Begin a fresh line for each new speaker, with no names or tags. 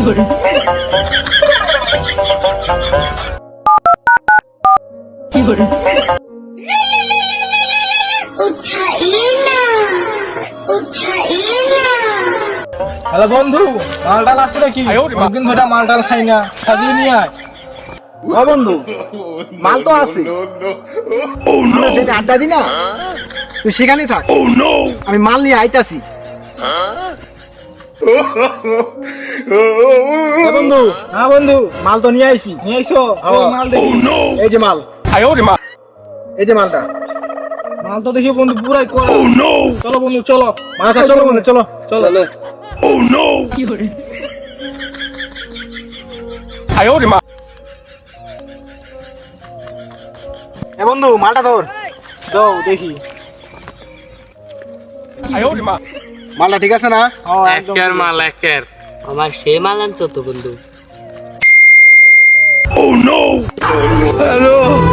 Hello বন্ধু, মালটাল আসছে নাকি? অনেকদিন ধরে মালটাল খাই না, সাজিয়ে নিয়ে আয়।
ও বন্ধু, মাল তো আছে। আমরা যেটা আড্ডা দিই না, তুই সেখানেই থাক। আমি মাল নিয়ে আইতাছি।
বন্ধু, হ্যাঁ বন্ধু,
মাল তো নিয়ে আইছি।
নিয়ে আইসো। মাল দেখি।
এই যে মাল, এই যে মালটা।
মাল তো দেখি বন্ধু পুরাই কড়া। চলো বন্ধু চলো।
আচ্ছা চলো বন্ধু, চলো
চলো।
এ বন্ধু, মালটা ধর।
যাও দেখি।
মালটা ঠিক আছে না?
একের মাল একের আমার সেই মাল আনছো তো বন্ধু।
হ্যালো।